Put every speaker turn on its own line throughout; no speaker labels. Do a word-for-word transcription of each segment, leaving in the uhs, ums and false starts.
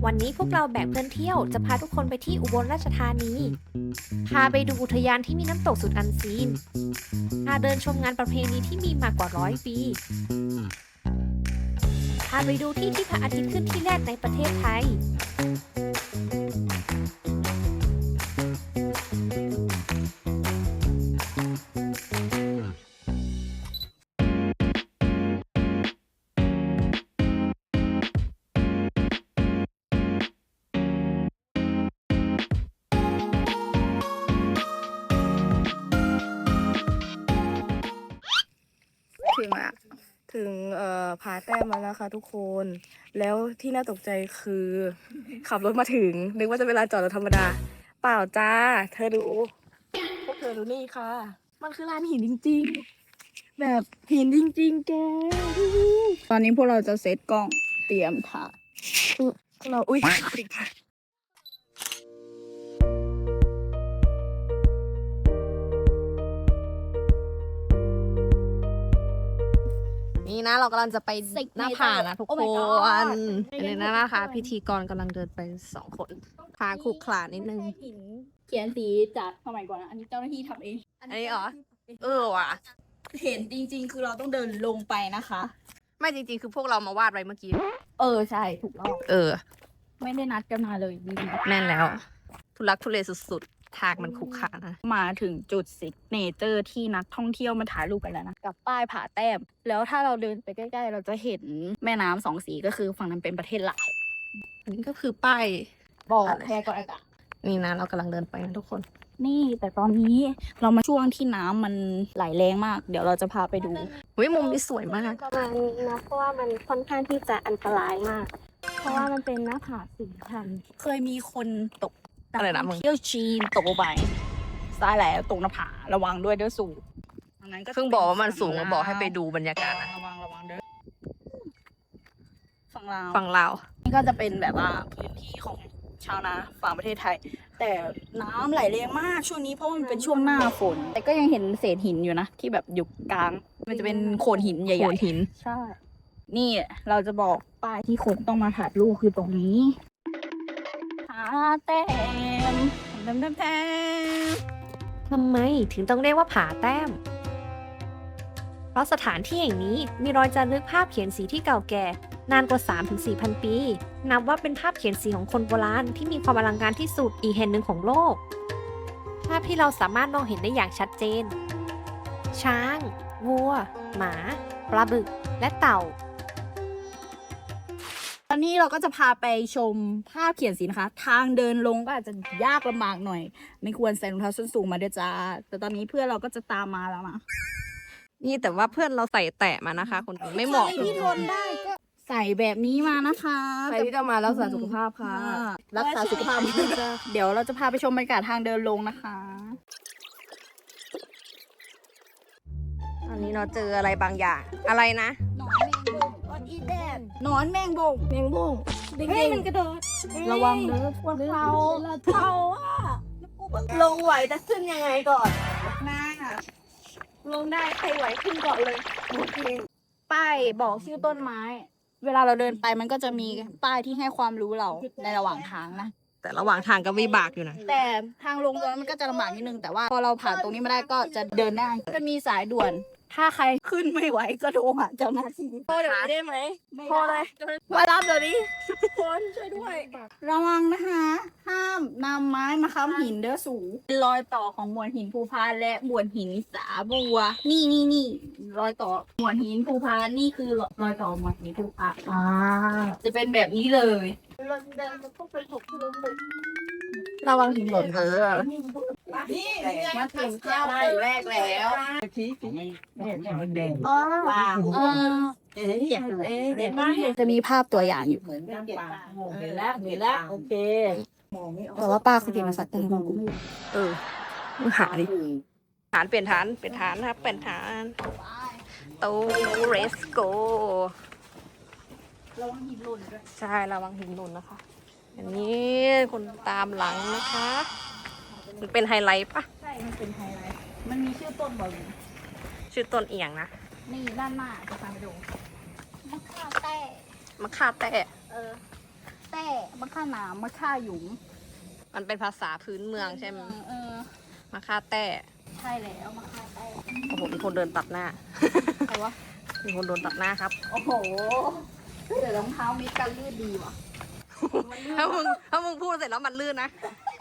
วันนี้พวกเราแบกเพื่อนเที่ยวจะพาทุกคนไปที่อุบลราชธานี พาไปดูอุทยานที่มีน้ำตกสุดอันซีน พาเดินชมงานประเพณีที่มีมากว่าร้อยปี พาไปดูที่ที่พระอาทิตย์ขึ้นที่แรกในประเทศไทย
ถึงอะถึงเอ่อผาแต้มแล้วนะคะทุกคน แล้วที่น่าตกใจคือ ขับรถมาถึงนึกว่าจะเป็นลานจอดรถธรรมดา เปล่าจ้า เธอดูพวกเธอดูนี่ค่ะ มันคือลานหินจริงๆ แบบหินจริงๆแก ตอนนี้พวกเราจะเซตกล้องเตรียมถ่ายพวกเราอุ้ยติดค่ะ
นี่นะเรากำลังจะไปหน้าผานะทุกคนอันนี้นะคะ พิธีกรกำลังเดินไปสองคนพาขรุขระนิดนึง
หินเขียนสีจากสมัยก่อนนะอันนี้เจ้าหน้าที่ทำเอง
อันนี้เหรอ เออว่ะ
เห็นจริงๆ คือเราต้องเดินลงไปนะคะ
ไม่จริงๆ คือพวกเรามาวาดไว้เมื่อกี้
เออใช่ถูกต้อง
เออ
ไม่ได้นัดกันมาเลยดี
แน่นแล้ว ทุลักทุเลสุดๆ ทางมันขรุขระนะ
มาถึงจุดซิกเนเจอร์ที่นักท่องเที่ยวมาถ่ายรูปกันแล้วนะ กับป้ายผาแต้ม แล้วถ้าเราเดินไปใกล้ๆ เราจะเห็นแม่น้ำสองสีก็คือฝั่งนั้นเป็นประเทศลาว
อันนี้ก็คือป้าย
บอกแพร่กอนอากาศ
นี่นะเรากำลังเดินไปนะทุกคน
นี่แต่ตอนนี้เรามาช่วงที่น้ำมันไหลแรงมาก เดี๋ยวเราจะพาไปดู
วิมุมนี้สวยมาก
ประมาณนี้นะเพราะว่ามันค่อนข้างที่จะอันตรายมาก เพราะว่ามันเป็นหน้าผาสูงชัน
เคยมีคนตก
อะไรนะมึง
เที่ยวจีนตกลงไปซ้ายแล้วตกหน้าผาระวังด้วยเด้อสูงดังนั้นก็จะ
เพิ่งบอกว่ามันสูงมาบอกให้ไปดูบรรยากาศนะ
ระวังระวังเด้อฝั่งลาว
ฝั่งลาว
นี่ก็จะเป็นแบบว่าพื้นที่ของชาวนาฝั่งประเทศไทย แต่น้ำไหลแรงมากช่วงนี้เพราะว่ามันเป็นช่วงหน้าฝน แต่ก็ยังเห็นเศษหินอยู่นะที่แบบอยู่กลาง มันจะเป็นโขดหินใหญ่ๆ
โขดหิน
ใช่ นี่เราจะบอกป้ายที่คนต้องมาถ่ายรูปคือตรงนี้ผาแต้มแต้มแต้มแต้ม
ทำไมถึงต้องเรียกว่าผาแต้ม เพราะสถานที่แห่งนี้มีรอยจารึกภาพเขียนสีที่เก่าแก่ นานกว่า สามถึงสี่ พัน ปี นับว่าเป็นภาพเขียนสีของคนโบราณที่มีความอลังการที่สุดอีกแห่งหนึ่งของโลก ภาพที่เราสามารถมองเห็นได้อย่างชัดเจน ช้าง วัว หมา ปลาบึก และเต่า
ตอนนี้เราก็จะพาไปชมภาพเขียนสีนะคะ ทางเดินลงก็อาจจะยากลำบากหน่อย ไม่ควรใส่รองเท้าส้นสูงมาด้วยจ้า แต่ตอนนี้เพื่อนเราก็จะตามมาแล้วนะ
นี่แต่ว่าเพื่อนเราใส่แตะมานะคะคนอื่นไม่เหมาะ
ใครที่ทนได้ก็ใส่แบบนี้มานะคะ
ใครที่จะมารักษาสุขภาพค่ะ
รักษาสุขภาพ เดี๋ยวเราจะพาไปชมบรรยากาศทางเดินลงนะคะ
ตอนนี้เราเจออะไรบางอย่าง อะไรนะ
หนอนแมงบงออนอีแดนหนอนแมงบงแมงบงเฮ้ยมันกระโดดระวังเด้อพวกเราเราอ่ะลงไหวแต่ขึ้นยังไงก่อนหน้าลงได้ใครไหวขึ้นก่อนเลยป้ายบอกชื่อต้นไม้ เวลาเราเดินไปมันก็จะมีป้ายที่ให้ความรู้เราในระหว่างทางนะ
แต่ระหว่างทางก็วิบากอยู่นะ
แต่ทางลงตรงนั้นมันก็จะลำบากนิดนึงแต่ว่าพอเราผ่านตรงนี้มาได้ก็จะเดินได้จะมีสายด่วน ถ้าใครขึ้นไม่ไหวก็โทรหาเจ้าหน้าที่โทรเดี๋ยวนี้ได้ไหมโทรเลยมารับเดี๋ยวนี้คนช่วยด้วยระวังนะคะ ห้ามนำไม้มาค้ำหินเด้อสูงเป็นรอยต่อของมวลหินภูพานและมวลหินสาบัว นี่นี่นี่รอยต่อมวลหินภูพานนี่คือรอยต่อมวลหินภูพานอ่าจะเป็นแบบนี้เลยเราเดินจะต้องไปถูกที่ลงเลย
ระวังหินหล่นเออ
มาถึงข้าวแรกแล้วอ๋อว้าวเออเอ๊ะเด็ดมากจะมีภาพตัวอย่างอยู่
เห็นแล้วเห็นแล้วโอเค
แต่ว่าป้าคือเก่งภาษาไทย
เออมึงหาดิฐานเปลี่ยนฐานเปลี่ยนฐานนะครับเปลี่ยนฐานโตเรสโก
ระวังหินหล่นด้วย
ใช่ระวังหินหล่นนะคะอันนี้คนตามหลังนะคะ มันเป็นไฮไลท์ปะ
ใช่ มันเป็นไฮไลท์มันมีชื่อต้นบอกอยู่
ชื่อต้นเอียงนะ
นี่ด้านหน้าจะพาไปดูมะข่าแต้
มะข่าแต้
เออแต้มะค่าหนามมะค่าหยุม
มันเป็นภาษาพื้นเมืองใช่ไหม
เออ
มาค่าแต้
ใช่แล้วมะค่าแต้
โอ้โหมีคนเดินตัดหน้า
ใครวะ
มีคนโดนตัดหน้าครับ
โอ้โหเดี๋ยวรองเท้ามีกันลื่นดีว่ะ
ถ้ามึงถ้ามึงพูดเสร็จแล้วมันลื่นนะ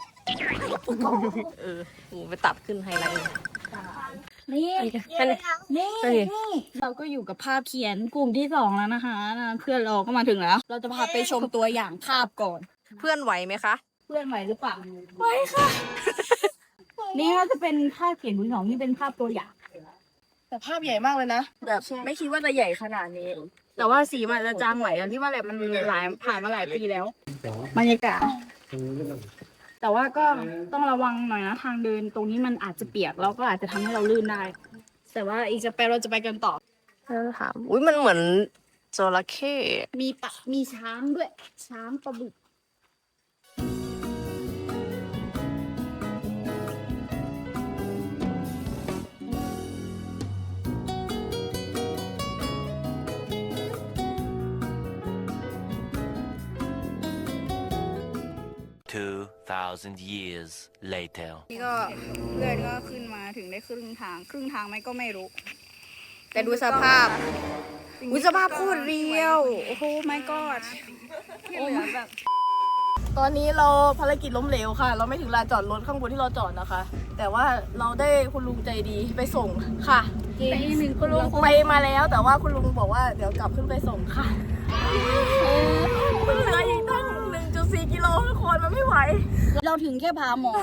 เออกูไปตัดขึ้นไฮไลท์
นี่
แค่นี้
นี่
โอเค
นี่เราก็อยู่กับภาพเขียนกลุ่มที่สองแล้วนะคะนะเพื่อนเราก็มาถึงแล้ว เราจะพาไปชมตัวอย่างภาพก่อน
เพื่อนไหวไหมคะ
เพื่อนไหวหรือเปล่าไหวค่ะ นี่ก็จะเป็นภาพเขียนกลุ่มที่สองนี่เป็นภาพตัวอย่าง
แต่ภาพใหญ่มากเลยนะ แบบไม่คิดว่าจะใหญ่ขนาดนี้ แต่ว่าสีมันจะจางไหวอันที่ว่าแหละมันหลายผ่านมาหลายปีแล้วบรรยากาศ แต่ว่าก็ต้องระวังหน่อยนะทางเดินตรงนี้มันอาจจะเปียกแล้วก็อาจจะทำให้เราลื่นได้ แต่ว่าอีกจะไปเราจะไปกันต่อ
ถาม อุ้ยมันเหมือนจระเข้
มีปะมีช้างด้วย ช้างปลาบึก
Two thousand years later.
นี่ก็เพื่อนก็ขึ้นมาถึงได้ครึ่งทาง ครึ่งทางไหมก็ไม่รู้ แต่ดูสภาพอุ้ยสภาพโคตรเรียว โอ้โหไม่กอดโอ้แบบ
ตอนนี้เราภารกิจล้มเหลวค่ะ เราไม่ถึงลานจอดรถข้างบนที่เราจอดนะคะ แต่ว่าเราได้คุณลุงใจดีไปส่งค่ะ
จริงหนึ่ง
คุณลุงไปมาแล้ว แต่ว่าคุณลุงบอกว่าเดี๋ยวกลับขึ้นไปส่งค่ะมันเหลืออีกตั้ง หนึ่งจุดสี่ กิโลทุกคนมันไม่ไหว
เราถึงแค่พาหมอน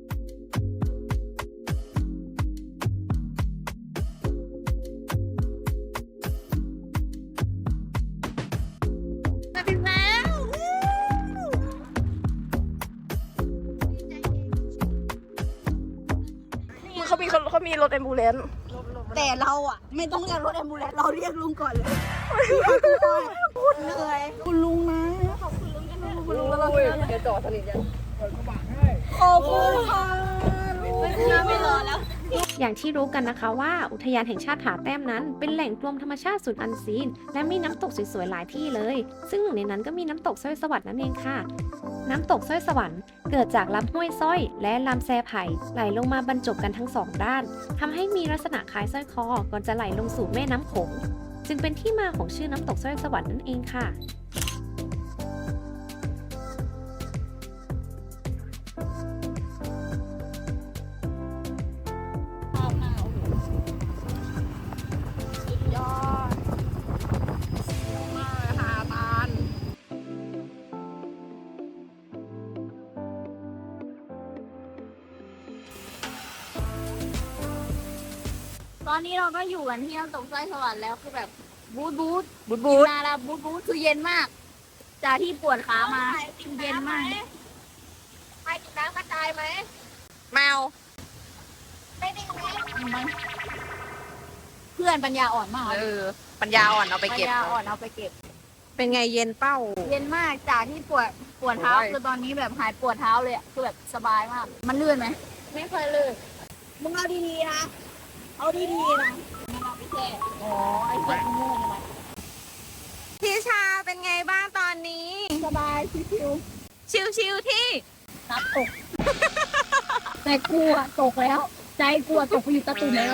เขามีเขามีรถแอมบูเลนซ์
แต่เราอ่ะ ไม่ต้องเรียกรถแอมบูเลนซ์เราเรียกลุงก่อนเลยพูดเหนื่อยคุณลุงนะขอบคุณลุงกันนะคุณลุงแล้วเรา
เดี๋ยวจอดสนิทกัน
ขอบคุณค่ะไม่รอแล้ว
อย่างที่รู้กันนะคะว่าอุทยานแห่งชาติผาแต้มนั้น เป็นแหล่งรวมธรรมชาติสุดอันซีน และมีน้ำตกสวยๆหลายที่เลย ซึ่งหนึ่งในนั้นก็มีน้ำตกสร้อยสวรรค์นั่นเองค่ะ น้ำตกสร้อยสวรรค์เกิดจากลำห้วยสร้อย และลำแซไผ่ไหลลงมาบรรจบกันทั้งสองด้านทำให้มีลักษณะคล้ายสร้อยคอก่อนจะไหลลงสู่แม่น้ำโขงจึงเป็นที่มาของชื่อน้ำตกสร้อยสวรรค์นั่นเองค่ะ
ยอดมากเลยค่ะตาล
ตอนนี้เราก็อยู่กันที่น้ำตกสร้อยสวรรค์แล้วคือแบบบูทบูท
บูดบูด
มาแล้วบูทบูทคือเย็นมาก จากที่ปวดขามาเย็นมาก
ใครกินน้ำกระจายไหม
แมว
เพื่อนปัญญาอ่อนมาก
เออ ปัญญาอ่อนเอาไป
ปัญ
เก็บ
ญาอ่อนเอาไปเก็บ
เป็นไงเย็นเป้า
เย็นมากจากที่ปวดปวดเท้า
โอ้ย
คือตอนนี้แบบหายปวดเท้าเลยอะคือแบบสบายมาก มันลื่นไหมไม่เคยลื่นมึงเอาดีๆนะเอาดีๆนะไม่เอาไปแช่อ๋อไอ้แช่โง่ๆนะ
พี่ชาเป็นไงบ้างตอนนี้
สบายชิว
ชิวๆที่
ๆนับตก แต่กลัวตกแล้ว ใจกลัวตกไปอยู่ตะตุ่มแล้ว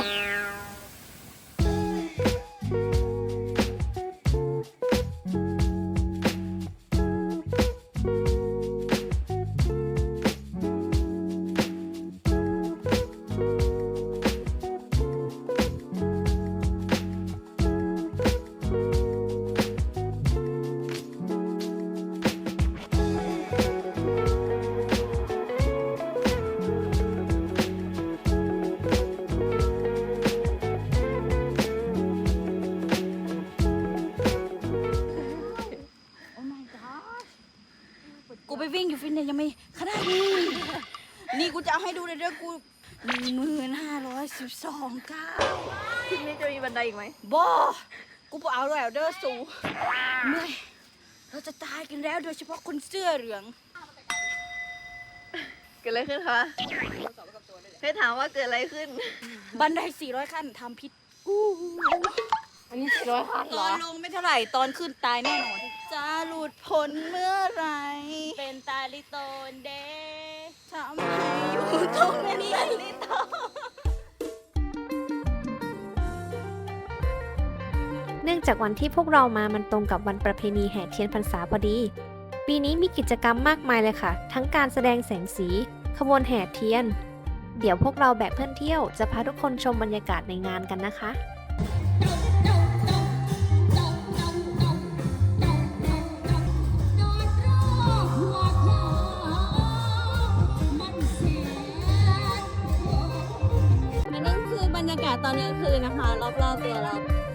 กูไปวิ่งอยู่ฟิตเนสยังไม่ขนาดนี้ นี่กูจะเอาให้ดูเลยเด้อกูหนึ่งหมื่นห้าร้อยสิบสองก้าว
ทีนี้จะมีบันไดอีกไหม
บอกูบอกเอาแล้วเด้อสูเหนื่อยเราจะตายกันแล้วโดยเฉพาะคนเสื้อเหลือง
เกิดอะไรขึ้นคะให้ถามว่าเกิดอะไรขึ้น
บันไดสี่ร้อยขั้นทำพิษกู
อันนี้สี่ร้อยพันเห
ต
ร
อ
อน
ลงไม่เท่าไหร่ตอนขึ้นตายแน่นอน จะหลุดพ้นเมื่อไหร
เป็นตาลิโตนเด
ทำให้อยู่ตรงนี้ลิโต
เนื่องจากวันที่พวกเรามามันตรงกับวันประเพณีแห่เทียนพรรษาพอดี ปีนี้มีกิจกรรมมากมายเลยค่ะ ทั้งการแสดงแสงสี ขบวนแห่เทียน เดี๋ยวพวกเราแบบเพื่อนเที่ยวจะพาทุกคนชมบรรยากาศในงานกันนะคะ
อันนี้คือบรรยากาศตอนกลางคืนนะคะ รอบๆตัวเรา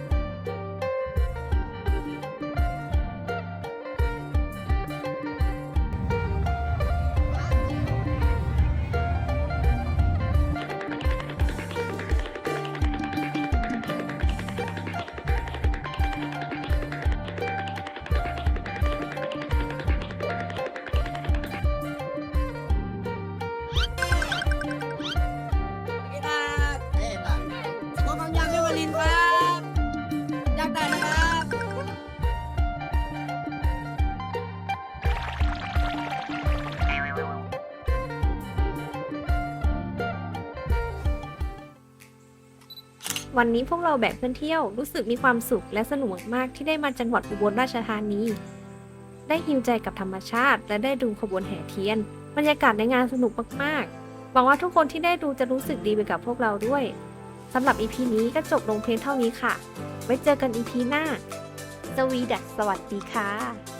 วันนี้พวกเราแบกเพื่อนเที่ยวรู้สึกมีความสุขและสนุกมากๆที่ได้มาจังหวัดอุบลราชธานี ได้ฮิวใจกับธรรมชาติและได้ดูขบวนแห่เทียน บรรยากาศในงานสนุกมากๆหวังว่าทุกคนที่ได้ดูจะรู้สึกดีไปกับพวกเราด้วยสำหรับ อี พี นี้ก็จบลงเพียงเท่านี้ค่ะ ไว้เจอกัน อี พี หน้าสวีดัสสวัสดีค่ะ